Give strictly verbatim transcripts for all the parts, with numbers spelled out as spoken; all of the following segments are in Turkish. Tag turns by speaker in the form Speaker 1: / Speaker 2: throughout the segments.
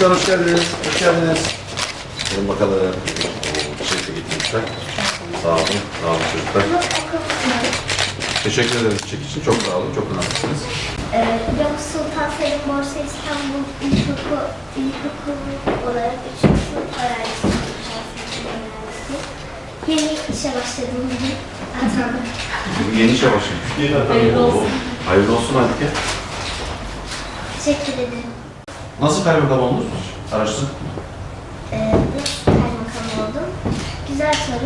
Speaker 1: Çocuklar hoş geldiniz. Hoş geldiniz. Gelin bakalım. Çiçekle getirmişler. Sağ olun. Sağ olun çocuklar. Teşekkür ederiz çiçek için. Çok sağ olun. Çok önemlisiniz.
Speaker 2: Ee, Yavuz Sultan Selim Borsa İstanbul İlkokulu, İlkokulu olarak üçüncü sınıf öğrencisiyim. Yeni işe başladığım gibi atandım.
Speaker 1: Yeni işe başlamış.
Speaker 2: Hayırlı olsun.
Speaker 1: Hayırlı olsun Halike.
Speaker 2: Teşekkür ederim.
Speaker 1: Nasıl kaymakam oldunuz? Araştırın.
Speaker 2: Ee, nasıl kaymakam oldum? Güzel soru.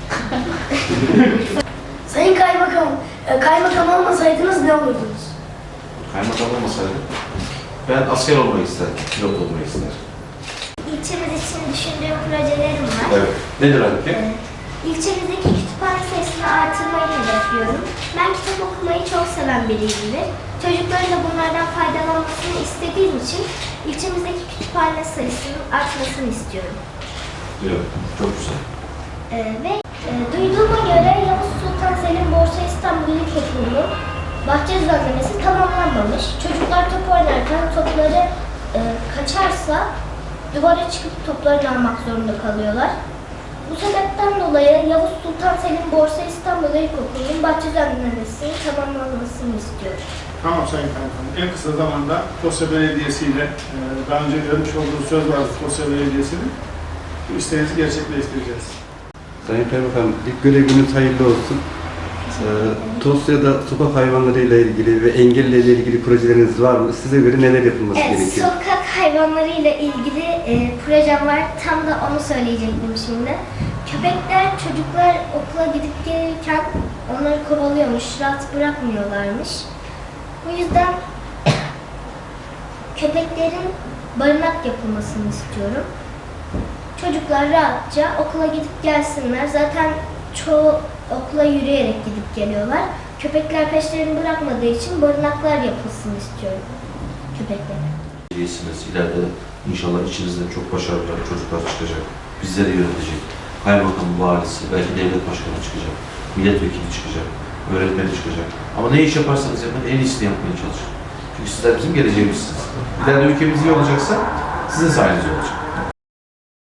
Speaker 3: Sayın Kaymakam, e, kaymakam olmasaydınız ne olurdunuz?
Speaker 1: Kaymakam olmasaydı ben asker olmayı isterdim. Pilot olmayı isterdim.
Speaker 2: İlçemiz için düşündüğüm projelerim var.
Speaker 1: Evet. Nedir Halike?
Speaker 2: Ee, İlçemizdeki kütüphane sayısını artırmayı hedefliyorum. Ben kitap okumayı çok seven biriyimdir. Çocukların da bunlardan faydalanmasını istediğim için ilçemizdeki kütüphane sayısının artmasını istiyorum.
Speaker 1: Evet. Çok güzel.
Speaker 2: Ee, ve e, duyduğuma göre Yavuz Sultan Selim Borsa İstanbul İlkokulu'nun bahçe düzenlemesi tamamlanmamış. Çocuklar top oynarken topları e, kaçarsa duvara çıkıp toplarını almak zorunda kalıyorlar. Bu sebepten dolayı Yavuz Sultan Selim Borsa İstanbul İlkokulu'nun bahçe düzenlemesinin tamamlanmasını istiyorum.
Speaker 4: Tamam Sayın Kaymakam. En kısa zamanda Tosya Belediyesi ile e, daha önce vermiş olduğunuz söz vardı Tosya Belediyesi'nin. Bu isteğinizi gerçekleştireceğiz.
Speaker 5: Sayın Kaymakam, ilk göreviniz hayırlı olsun. Ee, Tosya'da sokak hayvanlarıyla ilgili ve engellilerle ilgili projeleriniz var mı? Size göre neler yapılması
Speaker 2: Evet,
Speaker 5: gerekiyor?
Speaker 2: sokak hayvanlarıyla ilgili e, projem var. Tam da onu söyleyecektim şimdi. Köpekler çocuklar okula gidip gelirken onları kovalıyormuş, rahat bırakmıyorlarmış. Bu yüzden köpeklerin barınak yapılmasını istiyorum. Çocuklar rahatça okula gidip gelsinler. Zaten çoğu okula yürüyerek gidip geliyorlar. Köpekler peşlerini bırakmadığı için barınaklar yapılsın istiyorum köpeklere.
Speaker 1: Belediyesiniz. İleride inşallah içinizden çok başarılı çocuklar çıkacak. Bizleri yönetecek. Kaymakam, valisi, belki devlet başkanı çıkacak. Milletvekili çıkacak. Öğretmeni çıkacak. Ama ne iş yaparsanız yapın en iyisini yapmaya çalışın. Çünkü sizler bizim geleceğimizsiniz. İleride ülkemiz iyi olacaksa sizin sayenizde olacak.